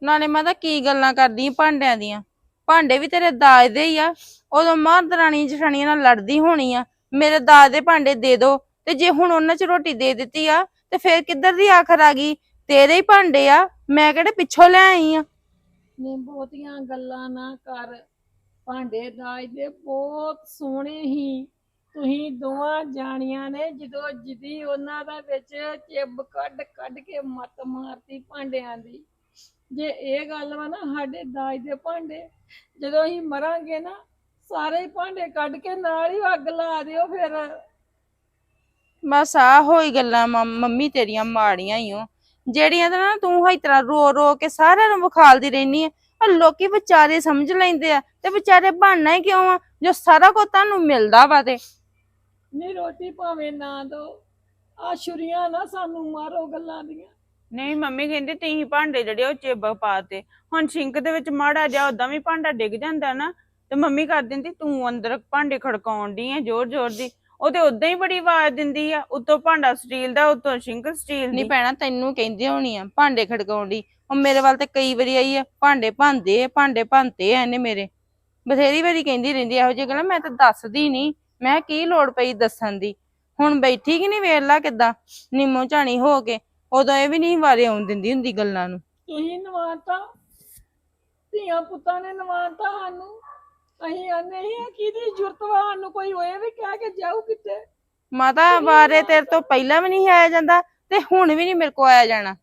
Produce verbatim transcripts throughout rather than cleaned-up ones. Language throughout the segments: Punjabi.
ਨਾਲੇ ਮੈਂ ਤਾਂ ਕੀ ਗੱਲਾਂ ਕਰਦੀ ਆਂ ਭਾਂਡਿਆਂ ਦੀਆਂ। ਭਾਂਡੇ ਵੀ ਤੇਰੇ ਦਾਜ ਦੇ ਹੀ ਆ। ਉਦੋਂ ਮਾਂ ਦਰਾਣੀ ਜਠਾਣੀਆਂ ਨਾਲ ਲੜਦੀ ਹੋਣੀ ਆ, ਮੇਰੇ ਦਾਜ ਦੇ ਭਾਂਡੇ ਦੇ ਦੋ। ਤੇ ਜੇ ਹੁਣ ਉਹਨਾਂ ਚ ਰੋਟੀ ਦੇ ਦਿੱਤੀ ਆ ਤੇ ਫੇਰ ਕਿੱਧਰ ਦੀ ਆਖਰ ਆ ਗਈ? ਤੇਰੇ ਹੀ ਭਾਂਡੇ ਆ, ਮੈਂ ਕਿਹੜੇ ਪਿੱਛੋਂ ਲੈ ਆਈ ਆ। ਨੇ ਬਹੁਤੀਆਂ ਗੱਲਾਂ ਨਾ ਕਰ। ਭਾਂਡੇ ਦਾਜ ਦੇ ਬਹੁਤ ਸੋਹਣੇ ਹੀ। ਤੁਸੀਂ ਦੋਵਾਂ ਜਾਣੀਆਂ ਨੇ ਜਦੋਂ ਜਿੱਦੀ ਉਹਨਾਂ ਦਾ ਵਿੱਚ ਚਿੱਬ ਕੱਢ ਕੱਢ ਕੇ ਮੱਤ ਮਾਰਤੀ ਭਾਂਡਿਆਂ ਦੀ। ਜੇ ਇਹ ਗੱਲ ਵਾ ਨਾ, ਸਾਡੇ ਦਾਜ ਦੇ ਭਾਂਡੇ ਜਦੋਂ ਅਸੀਂ ਮਰਾਂਗੇ ਨਾ, ਸਾਰੇ ਹੀ ਭਾਂਡੇ ਕੱਢ ਕੇ ਨਾਲ ਹੀ ਅੱਗ ਲਾ ਦਿਓ ਫਿਰ। ਬਸ ਆ ਹੋਈ ਗੱਲਾਂ ਮੰਮੀ ਤੇਰੀਆਂ ਮਾੜੀਆਂ ਹੀ ਓ, ਜਿਹੜੀਆਂ ਤਾਂ ਨਾ ਤੂੰ ਇਸ ਤਰ੍ਹਾਂ ਰੋ ਰੋ ਕੇ ਸਾਰਿਆਂ ਨੂੰ ਵਿਖਾਲਦੀ ਰਹਿਨੀ ਆ। ਲੋਕੀ ਵਿਚਾਰੇ ਸਮਝ ਲੈਂਦੇ ਆ ਤੇ ਵਿਚਾਰੇ ਬਣਨਾ ਹੀ ਕਿਉਂ ਆ, ਜੋ ਸਾਰਾ ਕੁਝ ਤੁਹਾਨੂੰ ਮਿਲਦਾ ਵਾ। ਤੇ ਨਹੀਂ ਰੋਟੀ ਭਾਵੇਂ ਨਾ ਦੋ, ਆ ਛੁਰੀਆਂ ਨਾ ਸਾਨੂੰ ਮਾਰੋ ਗੱਲਾਂ ਦੀਆਂ। ਨਹੀਂ ਮੰਮੀ ਕਹਿੰਦੀ ਤੁਸੀਂ ਭਾਂਡੇ ਜਿਹੜੇ ਉਹ ਚਿੱਬ ਪਾਤੇ। ਹੁਣ ਸਿੰਕ ਦੇ ਵਿੱਚ ਮਾੜਾ ਜਿਹਾ ਉਦਾਂ ਵੀ ਭਾਂਡਾ ਡਿੱਗ ਜਾਂਦਾ ਨਾ, ਤੇ ਮੰਮੀ ਕਰ ਦਿੰਦੀ ਤੂੰ ਅੰਦਰ ਭਾਂਡੇ ਖੜਕਾਉਣ ਦੀ ਆ ਜ਼ੋਰ ਜ਼ੋਰ ਦੀ। ਉਹ ਤੇ ਉਦਾਂ ਹੀ ਬੜੀ ਆਵਾਜ਼ ਦਿੰਦੀ ਆ, ਉੱਤੋਂ ਭਾਂਡਾ ਸਟੀਲ ਦਾ, ਉੱਤੋਂ ਸਿੰਕ ਸਟੀਲ ਦੀ। ਨਹੀਂ ਭੈਣਾ ਤੈਨੂੰ ਕਹਿੰਦੀ ਹੋਣੀ ਆ ਭਾਂਡੇ ਖੜਕਾਉਣ ਦੀ। ਉਹ ਮੇਰੇ ਵੱਲ ਤੇ ਕਈ ਵਾਰੀ ਆਈ ਆ, ਭਾਂਡੇ ਭੰਦੇ ਭਾਂਡੇ ਭੰਤੇ ਆ ਇਹਨੇ ਮੇਰੇ। ਬਥੇਰੀ ਵਾਰੀ ਕਹਿੰਦੀ ਰਹਿੰਦੀ ਇਹੋ ਜਿਹੀ ਗੱਲਾਂ, ਮੈਂ ਤਾਂ ਦੱਸਦੀ ਨਹੀਂ। ਮੈਂ ਕੀ ਲੋੜ ਪਈ ਦੱਸਣ ਦੀ? ਹੁਣ ਬੈਠੀ ਕਿ ਨਹੀਂ, ਵੇਖ ਲਾ ਕਿੱਦਾਂ ਨਿੰਮੋ ਝਾਣੀ ਹੋ ਕੇ। ਉਦੋਂ ਇਹ ਵੀ ਨਹੀਂ ਵਾਰੇ ਆਉਣ ਦਿੰਦੀ ਹੁੰਦੀ ਗੱਲਾਂ ਨੂੰ। ਤੁਸੀਂ ਨਵਾਤਾ, ਧੀਆਂ ਪੁੱਤਾਂ ਨੇ ਨਵਾਤਾ ਸਾਨੂੰ। ਅਸੀਂ ਆਨੇ ਹੀ ਆ ਕਿਹਦੀ ਜ਼ਰੂਰਤ ਵਾ ਸਾਨੂੰ, ਕੋਈ ਹੋਏ ਵੀ ਕਹਿ ਕੇ ਜਾਊ ਕਿਤੇ। ਮਾਤਾ ਬਾਰੇ ਤੇਰੇ ਤੋਂ ਪਹਿਲਾਂ ਵੀ ਨਹੀਂ ਆਇਆ ਜਾਂਦਾ ਤੇ ਹੁਣ ਵੀ ਨਹੀਂ ਮੇਰੇ ਕੋ ਆਇਆ ਜਾਣਾ।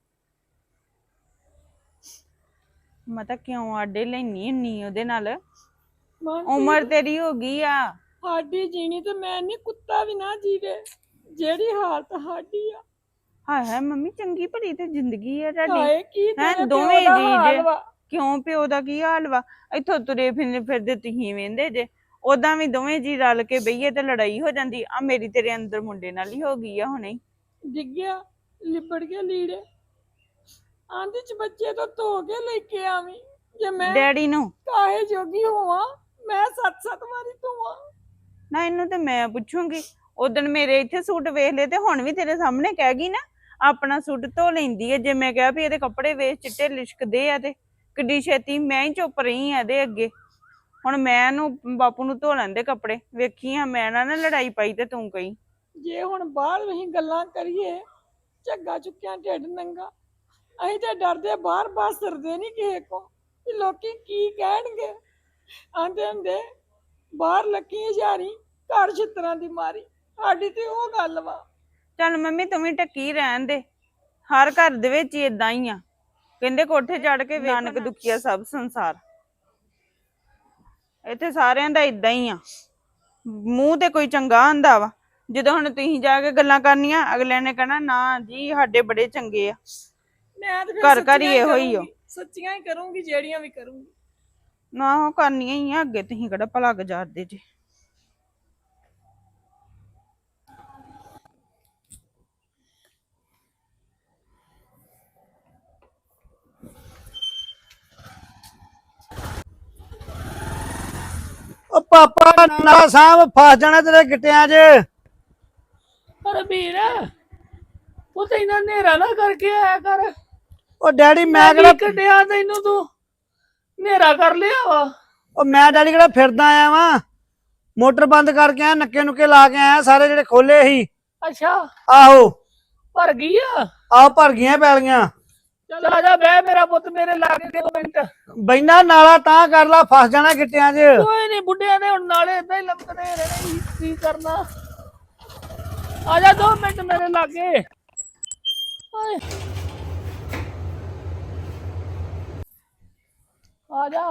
ਮੈਂ ਤਾਂ ਕਿਉਂ ਆਡੇ ਲੈਣੀ ਹੁੰਨੀ ਉਹਦੇ ਨਾਲ? ਮਨਪ੍ਰੀਤ, ਉਮਰ ਤੇਰੀ ਹੋ ਗਈ ਆ। ਸਾਡੀ ਜੀਣੀ ਤੇ ਮੈਂ ਨਹੀਂ, ਕੁੱਤਾ ਵੀ ਨਾ ਜੀਵੇ ਜਿਹੜੀ ਹਾਲਤ ਸਾਡੀ ਆ। ਹਾਏ ਹਾਏ ਮੰਮੀ, ਚੰਗੀ ਭਲੀ ਤੇ ਜ਼ਿੰਦਗੀ ਆ ਤੁਹਾਡੀ। ਹਾਏ ਕੀ ਹੈਂ ਤੇਰੇ ਦੋਵੇਂ ਪਿਓ ਦਾ ਜੀ ਹਾਲ ਜੇ। ਵਾ। ਕਿਉਂ ਪਿਓ ਦਾ ਕੀ ਹਾਲ ਵਾ? ਇੱਥੋਂ ਤੁਰੇ ਫਿਰਦੇ ਫਿਰਦੇ ਤੁਸੀਂ ਵੇਂਦੇ ਜੇ। ਉਦਾਂ ਵੀ ਦੋਵੇਂ ਜੀ ਰਲ ਕੇ ਬਈਏ ਤੇ ਲੜਾਈ ਹੋ ਜਾਂਦੀ ਆ। ਮੇਰੀ ਤੇਰੇ ਅੰਦਰ ਮੁੰਡੇ ਨਾਲ ਹੀ ਹੋ ਗਈ ਆ ਹੁਣੇ। ਡਿੱਗਿਆ ਲਿਬੜ ਕੇ ਲੀੜੇ ਆਂਦੀ ਚ ਬੱਚੇ ਤੋਂ ਧੋ ਕੇ ਲੈ ਕੇ ਆਵੀਂ। ਜੇ ਮੈਂ ਡੈਡੀ ਨੂੰ ਕਾਹੇ ਜੋਗੀ ਹੋਵਾਂ, ਮੈਂ ਸੱਤ ਸੱਤ ਵਾਰੀ ਧੋਵਾਂ। ਨਾ ਇਹਨੂੰ ਤੇ ਮੈਂ ਪੁੱਛੂੰਗੀ। ਉਦਣ ਮੇਰੇ ਇੱਥੇ ਸੂਟ ਵੇਖ ਲਏ ਤੇ ਹੁਣ ਵੀ ਤੇਰੇ ਸਾਹਮਣੇ ਕਹਿ ਗਈ ਨਾ ਆਪਣਾ ਸੂਟ ਧੋ ਲੈਂਦੀ ਹੈ। ਜੇ ਮੈਂ ਕਿਹਾ ਵੀ ਇਹਦੇ ਕੱਪੜੇ ਵੇਖ ਚਿੱਟੇ ਲਿਸ਼ਕਦੇ ਆ ਤੇ ਕਿੱਡੀ ਛੇਤੀ ਮੈਂ ਹੀ ਚੁੱਪ ਰਹੀ ਆ ਇਹਦੇ ਅੱਗੇ। ਹੁਣ ਮੈਂ ਇਹਨੂੰ ਬਾਪੂ ਨੂੰ ਧੋ ਲੈਂਦੇ ਕੱਪੜੇ। ਵੇਖੀ ਆ ਮੈਂ ਨਾ ਲੜਾਈ ਪਾਈ ਤੇ ਤੂੰ ਕਹੀ। ਜੇ ਹੁਣ ਬਾਹਰ ਅਸੀਂ ਗੱਲਾਂ ਕਰੀਏ, ਝੱਗਾ ਚੁੱਕਿਆ ਢਿੱਡ ਨੰਗਾ, ਅਸੀਂ ਤੇ ਡਰਦੇ ਬਾਹਰ ਬਾਹਰ ਸਰਦੇ ਨਹੀਂ ਕਿਸੇ ਕੋ ਵੀ ਲੋਕੀ ਕੀ ਕਹਿਣਗੇ। ਆਂਦੇ ਹੁੰਦੇ ਬਾਹਰ ਲੱਕੀ ਹਜ਼ਾਰੀ, ਘਰ ਛਿੱਤਰਾਂ ਦੀ ਮਾਰੀ। ਸਾਡੀ ਤੇ ਉਹ ਗੱਲ ਵਾ। ਚੱਲ ਮੰਮੀ ਤੂੰ ਵੀ ਟੱਕੀ ਰਹਿਣ ਦੇ। ਹਰ ਘਰ ਦੇ ਵਿੱਚ ਹੀ ਏਦਾਂ ਹੀ ਆ। ਕਹਿੰਦੇ ਕੋਠੇ ਚੜ ਕੇ ਨਾਨਕ ਦੁਖੀਆ ਸਭ ਸੰਸਾਰ। ਇੱਥੇ ਸਾਰਿਆਂ ਦਾ ਏਦਾਂ ਹੀ ਆ। ਮੂੰਹ ਤੇ ਕੋਈ ਚੰਗਾ ਹੁੰਦਾ ਵਾ, ਜਦੋਂ ਹੁਣ ਤੁਸੀਂ ਜਾ ਕੇ ਗੱਲਾਂ ਕਰਨੀਆਂ ਅਗਲਿਆਂ ਨੇ ਕਹਿਣਾ ਨਾ ਜੀ ਸਾਡੇ ਬੜੇ ਚੰਗੇ ਆ। ਮੈਂ ਤੇ ਘਰ ਘਰ ਹੀ ਇਹੋ ਹੀ ਆ। ਸੱਚੀਆਂ ਹੀ ਕਰੂੰਗੀ ਜਿਹੜੀਆਂ ਵੀ ਕਰੂੰਗੀ। ਨਾ ਉਹ ਕਰਨੀਆਂ ਹੀ ਆ ਅੱਗੇ। ਤੁਸੀਂ ਕਿਹੜਾ ਭਲਾ ਗੁਜ਼ਾਰਦੇ ਜੇ। ਉਹ ਪਾਪਾ ਨਾ ਸਾਹਬ ਫਸ ਜਾਣਾ ਤੇਰੇ ਗਿੱਟਿਆਂ 'ਚ। ਪਰ ਵੀਰ ਉਹ ਤੇ ਇਹਨਾਂ ਨੇਰਾ ਨਾ ਕਰਕੇ ਆਇਆ ਕਰ। ਉਹ ਡੈਡੀ ਮੈਂ ਕਿਹੜਾ ਕੱਢਿਆ ਤੈਨੂੰ, ਤੂੰ ਨੇਰਾ ਕਰ ਲਿਆ ਵਾ। ਉਹ ਮੈਂ ਡੈਡੀ ਕਿਹੜਾ ਫਿਰਦਾ ਆਇਆ ਵਾਂ। ਮੋਟਰ ਬੰਦ ਕਰਕੇ ਆਇਆ, ਨੱਕੇ ਨੁੱਕੇ ਲਾ ਕੇ ਆਇਆ, ਸਾਰੇ ਜਿਹੜੇ ਖੋਲੇ ਸੀ। ਅੱਛਾ ਆਹੋ ਭਰ ਗਈ ਆ। ਆਹ ਭਰ ਗਈਆਂ ਪੈਲੀਆਂ। ਚੱਲ ਆ ਜਾ ਬਹਿ ਮੇਰਾ ਪੁੱਤ ਮੇਰੇ ਲਾਗੇ ਦੋ ਮਿੰਟ। ਬੈਨਾ ਨਾਲਾ ਤਾਂ ਕਰ ਲਾ, ਫਸ ਜਾਣਾ ਗਿੱਟਿਆਂ 'ਚ। ਕੋਈ ਨਹੀਂ, ਬੁੱਢਿਆਂ ਨੇ ਹੁਣ ਨਾਲੇ ਏਦਾਂ ਹੀ ਲੰਮਕਦੇ ਰਹਿਣੇ, ਕੀ ਕਰਨਾ। ਆ ਜਾ ਦੋ ਮਿੰਟ ਮੇਰੇ ਲਾਗੇ। ਆ ਜਾ।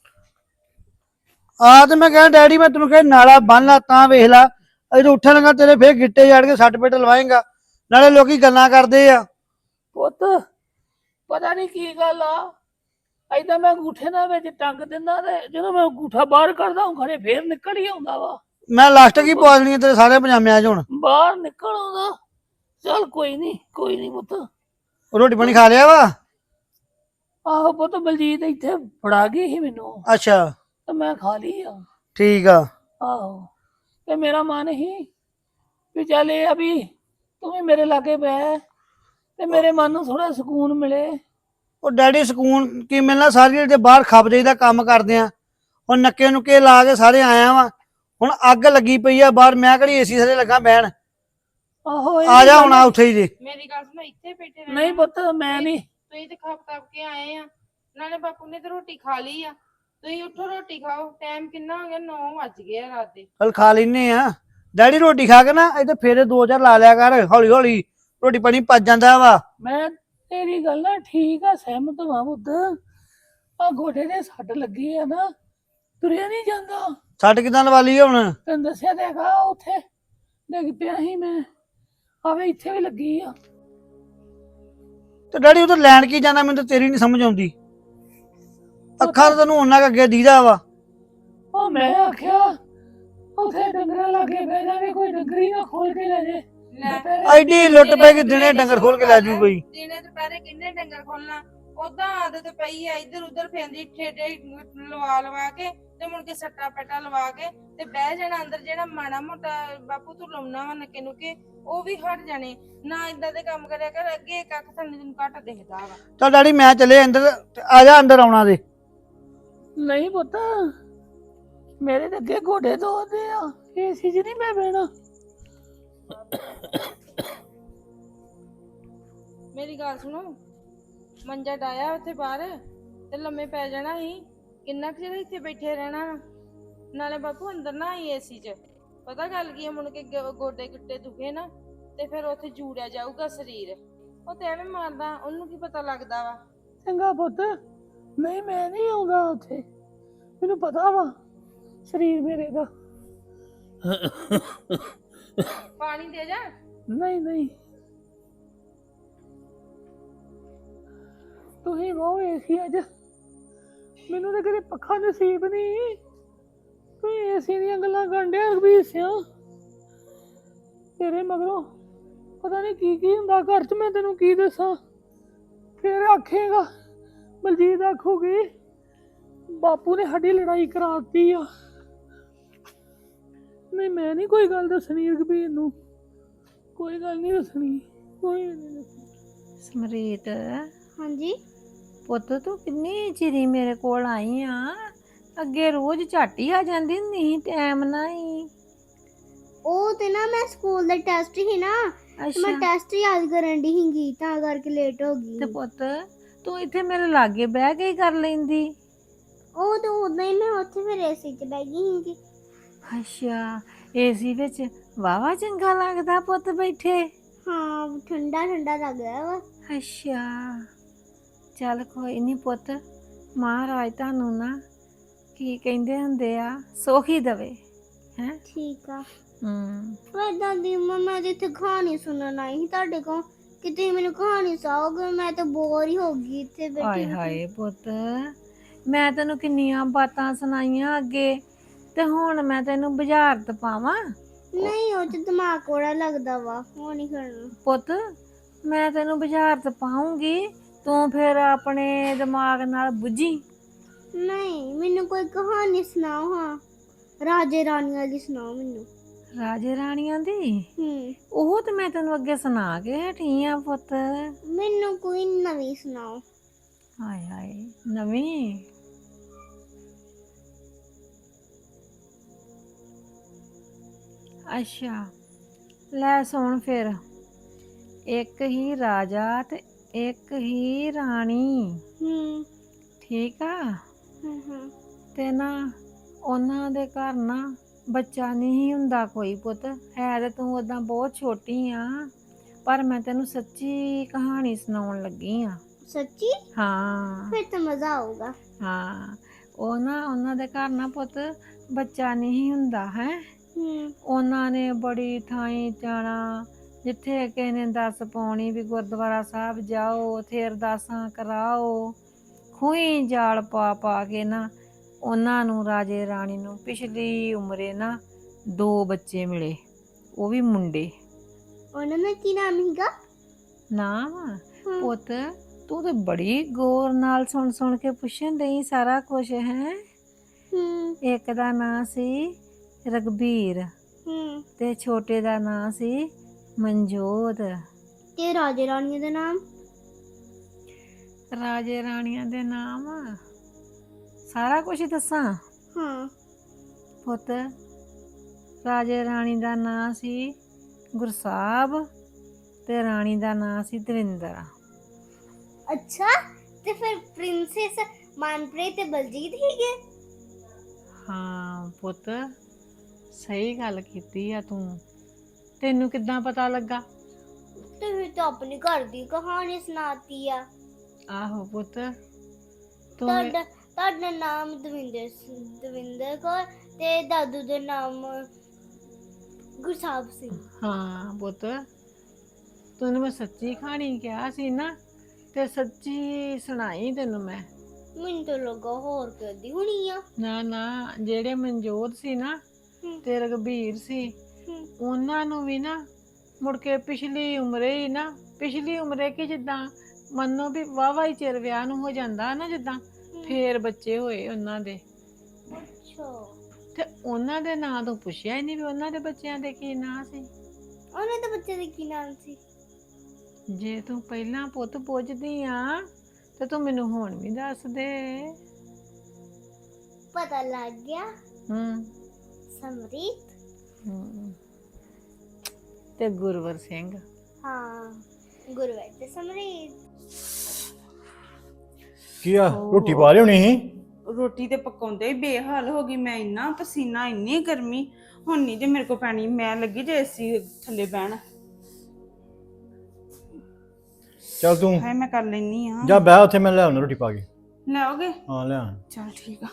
ਆ ਤੇ ਮੈਂ ਕਿਹਾ ਡੈਡੀ ਮੈਂ ਤੈਨੂੰ ਕਿਹਾ ਨਾਲਾ ਬੰਨ ਲਾ ਤਾਂ ਵੇਖ ਲਾ। ਅਜੇ ਉੱਠਣ ਲੱਗਾ ਤੇਰੇ ਫੇਰ ਗਿੱਟੇ ਜੜ ਕੇ ਸੱਟ ਪਿੱਟ ਲਵਾਏਗਾ। ਨਾਲੇ ਲੋਕੀ ਗੱਲਾਂ ਕਰਦੇ ਆ। ਪੁੱਤ ਪਤਾ ਨਹੀਂ ਕੀ ਗੱਲ ਆ, ਏਦਾਂ ਮੈਂ ਅੰਗੂਠੇ ਨਾਲ ਵਿੱਚ ਟੰਗ ਦਿੰਦਾ ਤੇ ਜਦੋਂ ਮੈਂ ਅੰਗੂਠਾ ਬਾਹਰ ਕੱਢਦਾ ਉਹ ਖਰੇ ਫੇਰ ਨਿਕਲ ਹੀ ਆਉਂਦਾ ਵਾ। ਮੈਂ ਲਾਸਟ ਕੀ ਪਵਾ ਦੇਣੀ ਤੇਰੇ ਸਾਰੇ ਪਜਾਮਿਆਂ 'ਚ ਹੁਣ ਬਾਹਰ ਨਿਕਲ ਆਉਂਦਾ। ਚੱਲ ਕੋਈ ਨਹੀਂ ਕੋਈ ਨਹੀਂ ਪੁੱਤ। ਰੋਟੀ ਪਾਣੀ ਖਾ ਲਿਆ ਵਾ? ਆਹੋ ਪੁੱਤ, ਬਲਜੀਤ ਇੱਥੇ ਫੜਾ ਗਈ ਸੀ ਮੈਨੂੰ ਅੱਛਾ ਤੇ ਮੈਂ ਖਾ ਲਈ ਆ। ਠੀਕ ਆ। ਆਹੋ ਤੇ ਮੇਰਾ ਮਨ ਹੀ ਵੀ ਚੱਲ ਇਹ ਆ ਵੀ ਤੂੰ ਵੀ ਮੇਰੇ ਲਾਗੇ ਬਹਿ ਤੇ ਮੇਰੇ ਮਨ ਨੂੰ ਥੋੜਾ ਸਕੂਨ ਮਿਲੇ। ਉਹ ਡੈਡੀ ਸਕੂਨ ਕੀ ਮਿਲਣਾ, ਸਾਰੀ ਦਿਹਾੜੀ ਤੇ ਬਾਹਰ ਖੱਪ ਜਾਈਦਾ ਕੰਮ ਕਰਦੇ ਆ। ਹੁਣ ਨੱਕੇ ਨੁੱਕੇ ਲਾ ਕੇ ਸਾਰੇ ਆਇਆ ਵਾ, ਹੁਣ ਅੱਗ ਲੱਗੀ ਪਈ ਆ ਬਾਹਰ, ਮੈਂ ਕਿਹੜੀ ਏਸੀ ਥੱਲੇ ਲੱਗਾ ਬਹਿਣ। ਆਹੋ ਇਹ ਆ ਵੀ ਜਾ ਗੱਲ ਹੁਣ ਆ ਉੱਥੇ ਹੀ ਜੇ। ਮੇਰੀ ਗੱਲ ਸੁਣੋ, ਇੱਥੇ ਬੈਠੇ ਰਹਿਣਾ ਨਹੀਂ ਪੁੱਤ ਮੈਂ ਨਹੀਂ। ਤੁਸੀਂ ਤੇ ਖੱਪ ਖੱਪ ਕੇ ਆਏ ਆ, ਨਾਲੇ ਬਾਪੂ ਨੇ ਤੇ ਰੋਟੀ ਖਾ ਲਈ ਆ। ਤੁਸੀਂ ਉੱਠੋ ਰੋਟੀ ਖਾਓ, ਟਾਈਮ ਕਿੰਨਾ ਹੋ ਗਿਆ, ਨੌ ਵੱਜ ਗਏ ਆ ਰਾਤ ਦੇ। ਚਲ ਖਾ ਲੈਨੇ ਆ ਡੈਡੀ, ਰੋਟੀ ਖਾ ਕੇ ਨਾ ਇੱਥੇ ਫੇਰੇ ਦੋ ਚਾਰ ਲਾ ਲਿਆ ਕਰ, ਹੌਲੀ ਹੌਲੀ ਰੋਟੀ ਪਾਣੀ ਪਚ ਜਾਂਦਾ ਵਾ। ਮੈਂ ਤੇਰੀ ਗੱਲ ਨਾਲ ਠੀਕ ਆ, ਸਹਿਮਤ ਹਾਂ ਪੁੱਤ। ਆ ਗੋਡੇ ਦੇ ਸੱਟ ਲੱਗੀ ਆ ਨਾ, ਤੁਰਿਆ ਨਹੀਂ ਜਾਂਦਾ। ਛੱਟ ਕਿਦਾਂ ਲਵਾ ਲਈ ਹੁਣ? ਤੈਨੂੰ ਦੱਸਿਆ ਤੇ ਹੈਗਾ, ਉੱਥੇ ਡਿੱਗ ਪਿਆ ਸੀ ਮੈਂ, ਆਵੇ ਇੱਥੇ ਵੀ ਲੱਗੀ ਆ। ਤੇ ਡੈਡੀ ਉਧਰ ਲੈਣ ਕੀ ਜਾਂਦਾ, ਮੈਨੂੰ ਤਾਂ ਤੇਰੀ ਨਹੀਂ ਸਮਝ ਆਉਂਦੀ। ਅੱਖਾਂ ਤਾਂ ਤੈਨੂੰ ਉਹਨਾਂ ਕੁ ਅੱਗੇ ਦੀਦਾ ਵਾ। ਉਹ ਮੈਂ ਆਖਿਆ ਉੱਥੇ ਡੰਗਰਾਂ ਲਾਗੇ ਬਹਿ ਜਾਵੇ, ਕੋਈ ਡੰਗਰੀ ਨਾ ਖੋਲ ਕੇ ਲੈ ਜੇ। ਐਡੀ ਲੁੱਟ ਪੈ ਗਈ, ਦਿਨੇ ਡੰਗਰ ਖੋਲ ਕੇ ਲੈ ਜੂ ਕੋਈ। ਦਿਨੇ ਦੁਪਹਿਰੇ ਕਿੰਨੇ ਡੰਗਰ ਖੋਲਣਾ, ਉਦਾਂ ਆਦਤ ਪਈ ਆ ਇੱਧਰ ਉੱਧਰ ਫੇਂਦੀ ਠੇਡੇ ਲਵਾ ਲਵਾ ਕੇ ਤੇ ਮੁੜ ਕੇ ਸੱਟਾ ਪੈਟਾ ਲਵਾ ਕੇ ਤੇ ਬਹਿ ਜਾਣਾ ਅੰਦਰ। ਜਿਹੜਾ ਮਾੜਾ ਮੋਟਾ ਬਾਪੂ ਤੂੰ ਲਾਉਣਾ ਵਾ ਨੱਕੇ ਨੁਕੇ, ਉਹ ਵੀ ਹਟ ਜਾਣੇ। ਨਾ ਇਦਾਂ ਦੇ ਕੰਮ ਕਰਿਆ ਕਰ, ਅੱਗੇ ਇੱਕ ਅੱਖ ਥੱਲੇ ਤੈਨੂੰ ਘੱਟ ਦਿਖਦਾ ਵਾ। ਚੱਲ ਡੈਡੀ ਮੈਂ ਚੱਲੇ ਅੰਦਰ, ਆ ਜਾ ਅੰਦਰ ਆਉਣਾ ਦੇ। ਨਹੀਂ ਪੁੱਤ, ਮੇਰੇ ਤੇ ਅੱਗੇ ਗੋਡੇ ਦੋਦੇ ਆ, ਏਸੀ 'ਚ ਨਹੀਂ ਮੈਂ ਬਹਿਣਾ। ਮੇਰੀ ਗੱਲ ਸੁਣੋ, ਮੰਜਾ ਡਾਇਆ ਉੱਥੇ ਬਾਹਰ ਤੇ ਲੰਮੇ ਪੈ ਜਾਣਾ ਸੀ। ਕਿੰਨਾ ਕੁ ਚਿਰ ਇੱਥੇ ਬੈਠੇ ਰਹਿਣਾ ਵਾ? ਨਾਲੇ ਬਾਪੂ ਅੰਦਰ ਨਾ ਆਈ ਏਸੀ 'ਚ, ਪਤਾ ਗੱਲ ਕੀ ਆ, ਮੁੜ ਕੇ ਗ- ਗੋਡੇ ਗਿੱਟੇ ਦੁਖੇ ਨਾ ਤੇ ਫਿਰ ਉੱਥੇ ਜੂੜਿਆ ਜਾਊਗਾ ਸਰੀਰ। ਉਹ ਤੇ ਐਵੇਂ ਮਾਰਦਾ, ਉਹਨੂੰ ਕੀ ਪਤਾ ਲੱਗਦਾ ਵਾ। ਚੰਗਾ ਪੁੱਤ, ਨਹੀਂ ਮੈਂ ਨਹੀਂ ਆਉਂਦਾ ਉੱਥੇ, ਮੈਨੂੰ ਪਤਾ ਵਾ ਸਰੀਰ ਮੇਰੇ ਦਾ। ਪਾਣੀ ਦੇ ਜਾ। ਨਹੀਂ ਨਹੀਂ, ਤੁਸੀਂ ਬਹੁ ਏਸੀ ਅੱਜ, ਮੈਨੂੰ ਤਾਂ ਕਦੇ ਪੱਖਾ ਨਸੀਬ ਨਹੀਂ। ਤੁਸੀਂ ਏਸੀ ਦੀਆਂ ਗੱਲਾਂ ਕਰਨ ਡਿਆ ਰਘਬੀਰ ਸਿਆ, ਤੇਰੇ ਮਗਰੋਂ ਪਤਾ ਨਹੀਂ ਕੀ ਕੀ ਹੁੰਦਾ ਘਰ 'ਚ, ਮੈਂ ਤੈਨੂੰ ਕੀ ਦੱਸਾਂ। ਫਿਰ ਆਖੇਗਾ, ਬਲਜੀਤ ਆਖੂਗੀ ਬਾਪੂ ਨੇ ਸਾਡੀ ਲੜਾਈ ਕਰਾਤੀ ਆ। ਨਹੀਂ ਮੈਂ ਨਹੀਂ ਕੋਈ ਗੱਲ ਦੱਸਣੀ ਰਘਬੀਰ ਨੂੰ, ਕੋਈ ਗੱਲ ਨਹੀਂ ਦੱਸਣੀ, ਕੋਈ ਨਹੀਂ ਦੱਸਣੀ। ਸਮਰੀਤ, ਹਾਂਜੀ ਪੁੱਤ ਤੂੰ ਕਿੰਨੀ ਚਿਰੀ ਮੇਰੇ ਕੋਲ ਆਈ ਆ? ਅੱਗੇ ਰੋਜ਼ ਝੱਟ ਹੀ ਆ ਜਾਂਦੀ ਹੁੰਦੀ ਸੀ, ਟਾਈਮ ਨਾਲ ਹੀ। ਉਹ ਤੇ ਨਾ ਮੈਂ ਸਕੂਲ ਦਾ ਟੈਸਟ ਸੀ ਨਾ, ਤੇ ਮੈਂ ਅੱਛਾ, ਟੈਸਟ ਯਾਦ ਕਰਨ ਦੀ ਸੀਗੀ, ਤਾਂ ਕਰਕੇ ਲੇਟ ਹੋ ਗਈ। ਤੇ ਪੁੱਤ ਤੂੰ ਇੱਥੇ ਮੇਰੇ ਲਾਗੇ ਬਹਿ ਕੇ ਹੀ ਕਰ ਲੈਂਦੀ। ਉਹ ਤਾਂ ਉਦਾਂ ਹੀ ਮੈਂ ਉੱਥੇ ਫਿਰ ਏਸੀ 'ਚ ਬਹਿ ਗਈ ਸੀਗੀ। ਅੱਛਾ, ਏਸੀ ਵਿੱਚ ਵਾਵਾ ਚੰਗਾ ਲੱਗਦਾ ਪੁੱਤ ਬੈਠੇ। ਹਾਂ ਠੰਡਾ ਠੰਡਾ ਲੱਗ ਰਿਹਾ ਵਾ। ਅੱਛਾ, ਚੱਲ ਕੋਈ ਨਹੀਂ ਪੁੱਤ, ਮਹਾਰਾਜ ਤੁਹਾਨੂੰ ਨਾ ਕੀ ਕਹਿੰਦੇ ਹੁੰਦੇ ਆ, ਸੋਖੀ ਦਵੇ ਹੈ। ਠੀਕ ਆ। ਹੂੰ, ਪਰ ਦਾਦੀ ਮੰਮਾ, ਮੈਂ ਤੇ ਇੱਥੇ ਕਹਾਣੀ ਸੁਣਨ ਆਈ ਸੀ ਤੁਹਾਡੇ ਕੋਲ, ਕਿ ਤੁਸੀਂ ਮੈਨੂੰ ਕਹਾਣੀ ਸੁਣਾਓਗੇ। ਮੈਂ ਤਾਂ ਬੋਰ ਹੀ ਹੋ ਗਈ ਇੱਥੇ ਬੈਠੀ ਹਾਏ ਬੈਠੀ। ਹਾਏ ਪੁੱਤ, ਮੈਂ ਤੈਨੂੰ ਕਿੰਨੀਆਂ ਬਾਤਾਂ ਸੁਣਾਈਆਂ ਅੱਗੇ, ਤੇ ਹੁਣ ਮੈਂ ਤੈਨੂੰ ਬੁਝਾਰਤ ਪਾਵਾਂ? ਨਹੀਂ ਉਹ ਤੇ ਦਿਮਾਗ ਕੋੜਾ ਲੱਗਦਾ ਵਾ, ਉਹ ਨਹੀਂ ਕਰਨਾ। ਪੁੱਤ ਮੈਂ ਤੈਨੂੰ ਬੁਝਾਰਤ ਪਾਉਂਗੀ, ਤੂੰ ਫਿਰ ਆਪਣੇ ਦਿਮਾਗ ਨਾਲ ਬੁੱਝੀ। ਨਹੀਂ ਮੈਨੂੰ ਕੋਈ ਕਹਾਣੀ ਸੁਣਾਓ, ਹਾਂ ਰਾਜੇ ਰਾਣੀ ਵਾਲੀ ਸੁਣਾਓ ਮੈਨੂੰ। ਰਾਜੇ ਰਾਣੀਆਂ ਦੀ? ਹੂੰ ਉਹ ਤੇ ਮੈਂ ਤੈਨੂੰ ਅੱਗੇ ਸੁਣਾ ਕੇ ਹਟੀ ਆ ਪੁੱਤ। ਮੈਨੂੰ ਕੋਈ ਨਵੀਂ ਸੁਣਾਓ। ਹਾਏ ਹਾਏ, ਨਵੀਂ? ਅੱਛਾ ਲੈ ਸੁਣ ਫਿਰ। ਇੱਕ ਹੀ ਰਾਜਾ ਤੇ ਇੱਕ ਹੀ ਰਾਣੀ, ਹੂੰ ਠੀਕ ਆ? ਹਾਂ ਹਾਂ ਤੇ ਨਾ ਉਹਨਾਂ ਦੇ ਘਰ ਨਾ ਬੱਚਾ ਨਹੀਂ ਹੁੰਦਾ ਕੋਈ ਪੁੱਤ। ਹੈ ਤੇ ਤੂੰ ਓਦਾਂ ਬਹੁਤ ਛੋਟੀ ਆ, ਪਰ ਮੈਂ ਤੈਨੂੰ ਸੱਚੀ ਕਹਾਣੀ ਸੁਣਾਉਣ ਲੱਗੀ ਆ। ਸੱਚੀ? ਹਾਂ ਫਿਰ ਤਾਂ ਮਜ਼ਾ ਆਊਗਾ। ਹਾਂ, ਉਹ ਨਾ ਉਹਨਾਂ ਦੇ ਘਰ ਨਾ ਪੁੱਤ ਬੱਚਾ ਨਹੀਂ ਹੁੰਦਾ ਹੈ। ਹੂੰ ਉਹਨਾਂ ਨੇ ਬੜੀ ਥਾਈਂ ਜਾਣਾ, ਜਿੱਥੇ ਕਿਸੇ ਨੇ ਦੱਸ ਪਾਉਣੀ ਵੀ ਗੁਰਦੁਆਰਾ ਸਾਹਿਬ ਜਾਓ, ਉੱਥੇ ਅਰਦਾਸਾਂ ਕਰਾਓ। ਖੂਹੀ ਜਾਲ ਪਾ ਪਾ ਕੇ ਨਾ ਉਹਨਾਂ ਨੂੰ, ਰਾਜੇ ਰਾਣੀ ਨੂੰ ਪਿਛਲੀ ਉਮਰੇ ਨਾ ਦੋ ਬੱਚੇ ਮਿਲੇ, ਉਹ ਵੀ ਮੁੰਡੇ। ਉਹਨਾਂ ਦਾ ਕੀ ਨਾਮ ਸੀਗਾ? ਨਾਮ? ਹਾਂ। ਪੁੱਤ ਤੂੰ ਤੇ ਬੜੀ ਗੌਰ ਨਾਲ ਸੁਣ ਸੁਣ ਕੇ ਪੁੱਛਣ ਡਈ ਸਾਰਾ ਕੁਝ ਹੈ। ਹੂੰ ਇੱਕ ਦਾ ਨਾਂ ਸੀ ਰਘਬੀਰ, ਹੂੰ ਤੇ ਛੋਟੇ ਦਾ ਨਾਂ ਸੀ ਮਨਜੋਤ। ਤੇ ਰਾਜੇ ਰਾਣੀ ਦਾ ਨਾਮ? ਰਾਜੇ ਰਾਣੀਆਂ ਦੇ ਨਾਮ ਸਾਰਾ ਕੁਝ ਹੀ ਦੱਸਾਂ ਹਾਂ ਪੁੱਤ। ਰਾਜੇ ਰਾਣੀ ਦਾ ਨਾਂ ਸੀ ਗੁਰਸਾਹਿਬ ਤੇ ਰਾਣੀ ਦਾ ਨਾਂ ਸੀ ਦਵਿੰਦਰ। ਅੱਛਾ ਤੇ ਫਿਰ ਪ੍ਰਿੰਸੈਸ ਮਨਪ੍ਰੀਤ ਤੇ ਬਲਜੀਤ ਹੀਗੇ? ਹਾਂ ਪੁੱਤ, ਸਹੀ ਗੱਲ ਕੀਤੀ ਆ ਤੂੰ। ਤੈਨੂੰ ਕਿੱਦਾਂ ਪਤਾ ਲੱਗਾ? ਤੁਸੀਂ ਤਾਂ ਆਪਣੀ ਘਰ ਦੀ ਕਹਾਣੀ ਸੁਣਾਤੀ ਆ। ਆਹੋ ਪੁੱਤ ਤੂੰ ਤੁਹਾਡਾ ਤੁਹਾਡਾ ਨਾਮ ਦਵਿੰਦਰ ਸਿੰਘ ਦਵਿੰਦਰ ਕੌਰ ਤੇ ਦਾਦੂ ਦਾ ਨਾਮ ਗੁਰਸਾਹਿਬ ਸਿੰਘ। ਹਾਂ ਪੁੱਤ, ਤੈਨੂੰ ਮੈਂ ਸੱਚੀ ਕਹਾਣੀ ਕਿਹਾ ਸੀ ਨਾ, ਤੇ ਸੱਚੀ ਸੁਣਾਈ ਤੈਨੂੰ ਮੈਂ। ਮੈਨੂੰ ਤਾਂ ਲੱਗਾ ਹੋਰ ਕਦੀ ਹੋਣੀ ਆ। ਨਾ ਨਾ, ਜਿਹੜੇ ਮਨਜੋਤ ਸੀ ਨਾ ਹਮ। ਤੇ ਰਘਬੀਰ ਸੀ, ਹਮ। ਉਹਨਾਂ ਨੂੰ ਵੀ ਨਾ ਮੁੜ ਕੇ ਪਿਛਲੀ ਉਮਰੇ ਹੀ ਨਾ ਪਿਛਲੀ ਉਮਰੇ ਕਿ ਜਿੱਦਾਂ ਮੰਨੋ ਵੀ ਵਾਹਵਾ ਹੀ ਚਿਰ ਵਿਆਹ ਨੂੰ ਹੋ ਜਾਂਦਾ ਨਾ, ਜਿੱਦਾਂ ਫੇਰ ਬੱਚੇ ਹੋਏ ਉਹਨਾਂ ਦੇ। ਅੱਛਾ ਤੇ ਉਹਨਾਂ ਦੇ ਨਾਂ ਤੋਂ ਪੁੱਛਿਆ ਹੀ ਨਹੀਂ ਵੀ ਉਹਨਾਂ ਦੇ ਬੱਚਿਆਂ ਦੇ ਕੀ ਨਾਂ ਸੀ। ਉਹਨਾਂ ਦੇ ਬੱਚੇ ਦੇ ਕੀ ਨਾਮ ਸੀ? ਜੇ ਤੂੰ ਪਹਿਲਾਂ ਪੁੱਤ ਪੁੱਛਦੀ ਆ ਤੇ ਤੂੰ ਮੈਨੂੰ ਹੁਣ ਵੀ ਦੱਸ ਦੇ। ਪਤਾ ਲੱਗ ਗਿਆ। ਹੂੰ ਸਮਰੀਤ। ਹੂੰ ਤੇ ਗੁਰਵਰ ਸਿੰਘ। ਹਾਂ ਗੁਰਵਰ ਤੇ ਸਮਰੀਤ। ਕੀ ਆ ਰੋਟੀ ਪਾ ਲਿਓ ਨਹੀਂ? ਰੋਟੀ ਤੇ ਪਕਾਉਂਦੇ ਹੀ ਬੇਹਾਲ ਹੋ ਗਈ ਮੈਂ, ਇੰਨਾ ਪਸੀਨਾ, ਇੰਨੀ ਗਰਮੀ। ਹੁਣ ਨਹੀਂ ਜੇ ਮੇਰੇ ਕੋ ਪੈਣੀ, ਮੈਂ ਲੱਗੀ ਜੇ ਏਸੀ ਥੱਲੇ ਬਹਿਣ। ਚੱਲ ਤੂੰ ਹਾਏ ਮੈਂ ਕਰ ਲੈਣੀ ਆ। ਜਾ ਬਹਿ ਉੱਥੇ, ਮੈਂ ਲੈ ਆਉਣਾ ਰੋਟੀ ਪਾ ਕੇ। ਲਿਆਓਗੇ? ਹਾਂ ਲੈ ਆ। ਚਲ ਠੀਕ ਆ।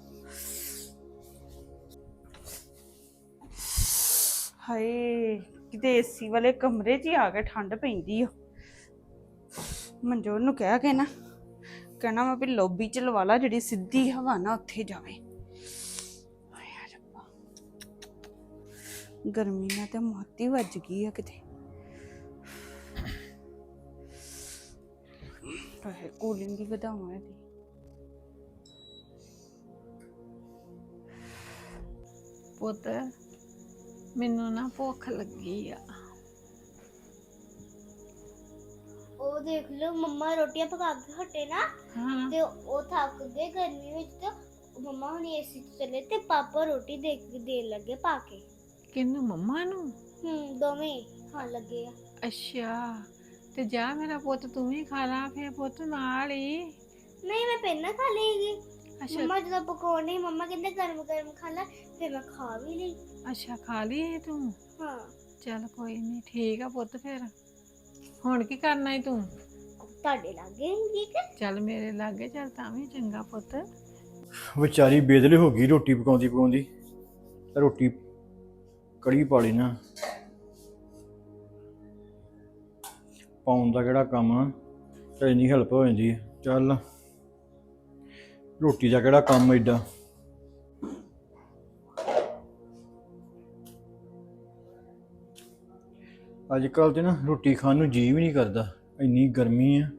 ਹਾਏ ਕਿਤੇ ਏਸੀ ਵਾਲੇ ਕਮਰੇ 'ਚ ਹੀ ਆ ਕੇ ਠੰਡ ਪੈਂਦੀ ਆ। ਮਨਜੋਤ ਨੂੰ ਕਹਿ ਕੇ ਨਾ ਕਹਿਣਾ ਮੈਂ ਵੀ ਲੌਬੀ 'ਚ ਲਵਾ ਲਾ, ਜਿਹੜੀ ਸਿੱਧੀ ਹਵਾ ਨਾ ਉੱਥੇ ਜਾਵੇ। ਹਾਏ ਰੱਬਾ, ਗਰਮੀ ਨਾਲ ਤੇ ਮੋਤੀ ਵੱਜ ਗਈ ਆ ਕਿਤੇ। ਹਾਏ ਕੂਲਿੰਗ ਹੀ ਵਧਾਵਾਂ ਇਹਦੀ। ਪੁੱਤ ਮੈਨੂੰ ਨਾ ਭੁੱਖ ਲੱਗੀ ਆ। ਉਹ ਦੇਖ ਲਓ ਮੰਮਾ ਰੋਟੀਆਂ ਪਕਾ ਕੇ ਹਟੇ ਨਾ, ਹਾਂ ਤੇ ਉਹ ਥੱਕ ਗਏ ਗਰਮੀ ਵਿੱਚ, ਤੇ ਮੰਮਾ ਹੁਣ ਏਸੀ ਚ ਚਲੇ ਤੇ ਪਾਪਾ ਰੋਟੀ ਦੇ ਕੇ ਦੇਣ ਲੱਗੇ ਪਾ ਕੇ। ਕਿਹਨੂੰ? ਮੰਮਾ ਨੂੰ? ਹੂੰ ਦੋਵੇਂ ਖਾਣ ਲੱਗੇ ਆ। ਅੱਛਾ, ਤੇ ਜਾ ਮੇਰਾ ਪੁੱਤ ਤੂੰ ਵੀ ਖਾ ਲਾ ਫੇਰ ਪੁੱਤ ਨਾਲ ਹੀ। ਨਹੀਂ ਮੈਂ ਪਹਿਲਾਂ ਖਾ ਲਈਗੀ। ਅੱਛਾ ਮੰਮਾ ਜਦੋਂ ਪਕਾਉਣੇ ਮੰਮਾ ਕਹਿੰਦੇ ਗਰਮ ਗਰਮ ਖਾ ਲੈ, ਫਿਰ ਮੈਂ ਖਾ ਵੀ ਲਈ। ਅੱਛਾ ਖਾ ਲਈ ਤੂੰ? ਹਾਂ ਚੱਲ ਕੋਈ ਨਹੀਂ, ਠੀਕ ਆ ਪੁੱਤ। ਫਿਰ ਹੁਣ ਕੀ ਕਰਨਾ ਈ ਤੂੰ? ਤੁਹਾਡੇ ਲੱਗੇ ਠੀਕ ਹੈ। ਚੱਲ ਮੇਰੇ ਲਾਗੇ ਚੱਲ, ਤਾਂ ਵੀ ਚੰਗਾ ਪੁੱਤ। ਵਿਚਾਰੀ ਬੇਦਲੇ ਹੋ ਗਈ ਰੋਟੀ ਪਕਾਉਂਦੀ ਪਕਾਉਂਦੀ। ਰੋਟੀ ਕੜੀ ਪਾ ਲਈ ਨਾ, ਪਾਉਣ ਦਾ ਕਿਹੜਾ ਕੰਮ ਆ, ਤੇ ਇੰਨੀ ਹੈਲਪ ਹੋ ਜਾਂਦੀ ਹੈ। ਚੱਲ ਰੋਟੀ ਦਾ ਕਿਹੜਾ ਕੰਮ ਐਡਾ। ਅੱਜ ਕੱਲ੍ਹ ਤੇ ਨਾ ਰੋਟੀ ਖਾਣ ਨੂੰ ਜੀਅ ਵੀ ਨਹੀਂ ਕਰਦਾ, ਇੰਨੀ ਗਰਮੀ ਆ।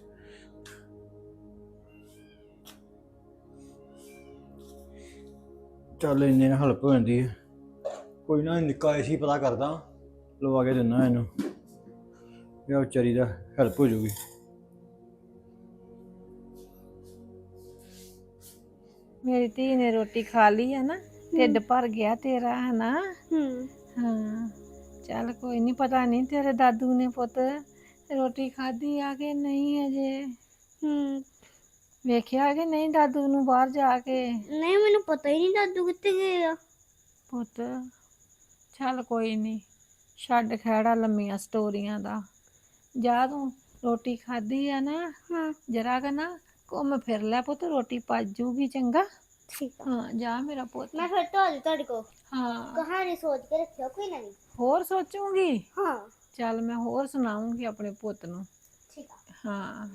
ਚੱਲ ਇੰਨੇ ਨਾਲ ਹੈਲਪ ਹੋ ਜਾਂਦੀ ਹੈ। ਕੋਈ ਨਾ ਨਿੱਕਾ ਏਸੀ ਪਤਾ ਕਰਦਾ, ਲਵਾ ਕੇ ਦਿੰਦਾ ਇਹਨੂੰ, ਇਹ ਵਿਚਾਰੀ ਦਾ ਹੈਲਪ ਹੋ ਜਾਊਗੀ। ਮੇਰੀ ਧੀ ਨੇ ਰੋਟੀ ਖਾ ਲਈ ਹੈ ਨਾ, ਢਿੱਡ ਭਰ ਗਿਆ ਤੇਰਾ ਹੈ ਨਾ? ਹੂੰ ਹਾਂ ਚੱਲ ਕੋਈ ਨਹੀਂ, ਪਤਾ ਨਹੀਂ ਤੇਰੇ ਦਾਦੂ ਨੇ ਪੁੱਤ ਰੋਟੀ ਖਾਧੀ ਆ ਕਿ ਨਹੀਂ ਅਜੇ? ਹੂੰ ਵੇਖਿਆ ਕਿ ਨਹੀਂ ਦਾਦੂ ਨੂੰ ਬਾਹਰ ਜਾ ਕੇ? ਨਹੀਂ ਮੈਨੂੰ ਪਤਾ ਹੀ ਨਹੀਂ ਦਾਦੂ ਕਿੱਥੇ ਗਏ ਆ। ਪੁੱਤ ਚੱਲ ਕੋਈ ਨਹੀਂ, ਛੱਡ ਖਹਿੜਾ ਲੰਮੀਆਂ ਸਟੋਰੀਆਂ ਦਾ। ਜਾ ਤੂੰ ਰੋਟੀ ਖਾਧੀ ਆ ਨਾ, ਹਾਂ ਜਰਾ ਕ ਨਾ ਘੁੰਮ ਫਿਰ ਲੈ ਪੁੱਤ, ਰੋਟੀ ਪਚ ਜੂਗੀ। ਚੰਗਾ? ਠੀਕ ਆ। ਹਾਂ ਜਾ ਮੇਰਾ ਪੁੱਤ। ਮੈਂ ਫਿਰ ਤੋਂ ਆ ਜਾਊ ਤੁਹਾਡੇ ਕੋਲ, ਹਾਂ ਕਹਾਣੀ ਸੋਚ ਕੇ ਰੱਖਿਓ ਕੋਈ ਨਵੀਂ। ਹੋਰ ਸੋਚੂਗੀ? ਹਾਂ ਚੱਲ ਮੈਂ ਹੋਰ ਸੁਣਾਉਂਗੀ ਆਪਣੇ ਪੁੱਤ ਨੂੰ। ਠੀਕ ਆ। ਹਾਂ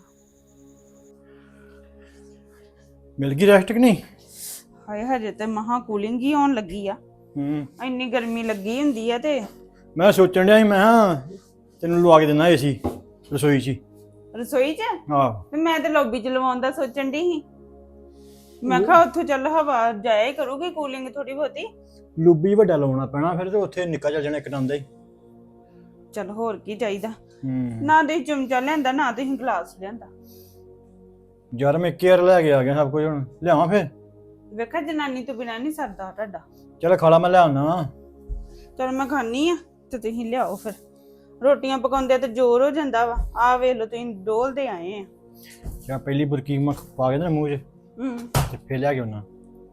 ਮਿਲ ਗਈ ਰੈਸਟ ਕਿ ਨਹੀਂ? ਹਾਏ ਹਜੇ ਤੇ ਮਹਾ ਕੂਲਿੰਗ ਹੀ ਆਉਣ ਲੱਗੀ ਆ। ਹੂੰ ਇੰਨੀ ਗਰਮੀ ਲੱਗੀ ਹੁੰਦੀ ਆ ਤੇ ਮੈਂ ਸੋਚਣ ਡਿਆ ਸੀ, ਮੈਂ ਕਿਹਾ ਤੈਨੂੰ ਲਵਾ ਕੇ ਦਿੰਦਾ ਏਸੀ ਰਸੋਈ 'ਚ ਹੀ। ਰਸੋਈ 'ਚ? ਆਹ ਤੇ ਮੈਂ ਤੇ ਲੌਬੀ 'ਚ ਲਵਾਉਣ ਦਾ ਸੋਚਣ ਦੀ ਸੀ। ਮੈਂ ਕਿਹਾ ਉੱਥੋਂ ਚੱਲ ਹਵਾ ਜਾਏ ਕਰੂਗੀ, ਕੂਲਿੰਗ ਥੋੜੀ ਬਹੁਤੀ। ਲੂਬੀ ਵੱਡਾ ਲਾਉਣਾ ਪੈਣਾ ਫਿਰ, ਤੇ ਉੱਥੇ ਨਿੱਕਾ ਚੱਲ ਜਾਣਾ ਇੱਕ ਦਮ ਦਾ ਹੀ। ਚੱਲ ਹੋਰ ਕੀ ਚਾਹੀਦਾ। ਹੂੰ ਨਾ ਤੁਸੀਂ ਚਮਚਾ ਲਿਆਂਦਾ, ਨਾ ਤੁਸੀਂ ਗਲਾਸ ਲਿਆਂਦਾ। ਯਾਰ ਮੈਂ ਕੇਅਰ ਲੈ ਕੇ ਆ ਗਿਆ ਸਭ ਕੁਝ, ਹੁਣ ਲਿਆਵਾਂ ਫਿਰ? ਵੇਖਾ ਜਨਾਨੀ ਤੋਂ ਬਿਨਾਂ ਨਹੀਂ ਸਰਦਾ ਤੁਹਾਡਾ। ਚੱਲ ਖਾ ਲਾ, ਮੈਂ ਲਿਆਉਣਾ ਵਾ। ਚਲ ਮੈਂ ਖਾਣੀ ਆ ਤੇ ਤੁਸੀਂ ਲਿਆਓ ਫਿਰ। ਰੋਟੀਆਂ ਪਕਾਉਂਦੇ ਤੇ ਜ਼ੋਰ ਹੋ ਜਾਂਦਾ ਵਾ। ਆ ਵੇਖ ਲਓ ਤੁਸੀਂ ਡੋਲਦੇ ਆਏ ਆ। ਜਾਂ ਪਹਿਲੀ ਬੁਰਕੀ ਮੈਂ ਪਾ ਕੇ ਨਾ ਮੂੰਹ 'ਚ ਹੂੰ ਤੇ ਫਿਰ ਲਿਆ ਕੇ ਆਉਣਾ।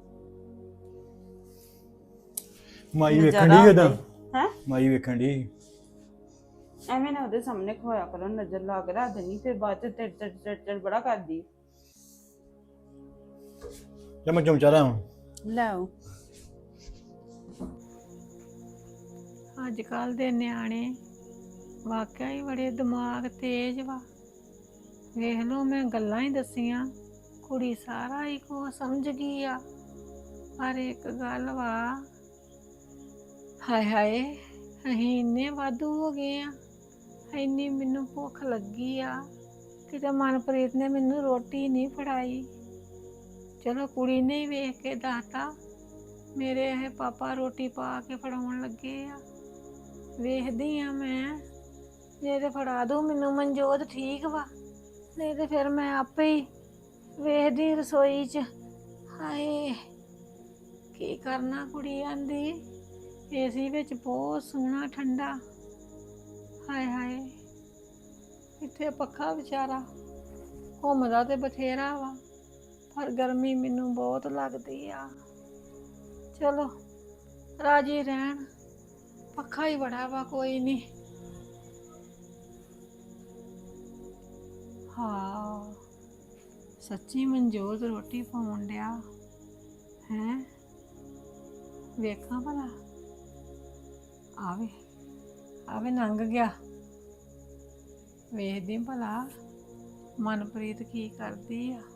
ਮਾਈ ਵੇਖਣ ਨਜ਼ਾਰਾ ਦੀ ਕਿਦਾਂ? ਹੈਂ? ਮਾਈ ਵੇਖਣ ਦੀ। ਐਵੇਂ ਨਾ ਉਹਦੇ ਸਾਹਮਣੇ ਖੋਇਆ ਕਰੋ, ਨਜ਼ਰ ਲਾ ਕੇ ਰੱਖ ਦੇਣੀ, ਫਿਰ ਬਾਅਦ ਚ ਟਿੜ ਟਿੜ ਟਿੜ ਟਿੜ ਬੜਾ ਕਰਦੀ। ਜਾਂ ਮੈਂ ਚਮਚਾ ਲਿਆਵਾਂ? ਲਿਆਓ। ਅੱਜ ਕੱਲ ਦੇ ਨਿਆਣੇ ਵਾਕਿਆ ਹੀ ਬੜੇ ਦਿਮਾਗ ਤੇਜ਼ ਵਾ। ਵੇਖ ਲਓ ਮੈਂ ਗੱਲਾਂ ਹੀ ਦੱਸੀਆਂ, ਕੁੜੀ ਸਾਰਾ ਹੀ ਕੋ ਸਮਝ ਗਈ ਆ। ਪਰ ਇੱਕ ਗੱਲ ਵਾ, ਹਾਏ ਹਾਏ ਅਸੀਂ ਇੰਨੇ ਵਾਧੂ ਹੋ ਗਏ ਆ, ਇੰਨੀ ਮੈਨੂੰ ਭੁੱਖ ਲੱਗੀ ਆ, ਕਿਤੇ ਮਨਪ੍ਰੀਤ ਨੇ ਮੈਨੂੰ ਰੋਟੀ ਨਹੀਂ ਫੜਾਈ। ਚਲੋ ਕੁੜੀ ਨੇ ਹੀ ਵੇਖ ਕੇ ਦੱਸਤਾ, ਮੇਰੇ ਇਹ ਪਾਪਾ ਰੋਟੀ ਪਾ ਕੇ ਫੜਾਉਣ ਲੱਗੇ ਆ। ਵੇਖਦੀ ਆ ਮੈਂ, ਜੇ ਤੇ ਫੜਾ ਦੂ ਮੈਨੂੰ ਮਨਜੋਤ ਠੀਕ ਵਾ, ਨਹੀਂ ਤੇ ਫਿਰ ਮੈਂ ਆਪੇ ਹੀ ਵੇਖਦੀ ਰਸੋਈ 'ਚ। ਹਾਏ ਕੀ ਕਰਨਾ, ਕੁੜੀ ਆਂਦੀ ਏਸੀ ਵਿੱਚ ਬਹੁਤ ਸੋਹਣਾ ਠੰਡਾ। ਹਾਏ ਹਾਏ ਇੱਥੇ ਪੱਖਾ ਵਿਚਾਰਾ ਘੁੰਮਦਾ ਤੇ ਬਥੇਰਾ ਵਾ, ਪਰ ਗਰਮੀ ਮੈਨੂੰ ਬਹੁਤ ਲੱਗਦੀ ਆ। ਚਲੋ ਰਾਜੀ ਰਹਿਣ, ਪੱਖਾ ਹੀ ਬੜਾ ਵਾ, ਕੋਈ ਨਹੀਂ। ਹਾਂ ਸੱਚੀ ਮਨਜੋਤ ਰੋਟੀ ਪਾਉਣ ਡਿਆ ਹੈ, ਵੇਖਾਂ ਭਲਾ। ਆਵੇ ਆਵੇ ਲੰਘ ਗਿਆ, ਵੇਖਦੀ ਭਲਾ ਮਨਪ੍ਰੀਤ ਕੀ ਕਰਦੀ ਆ।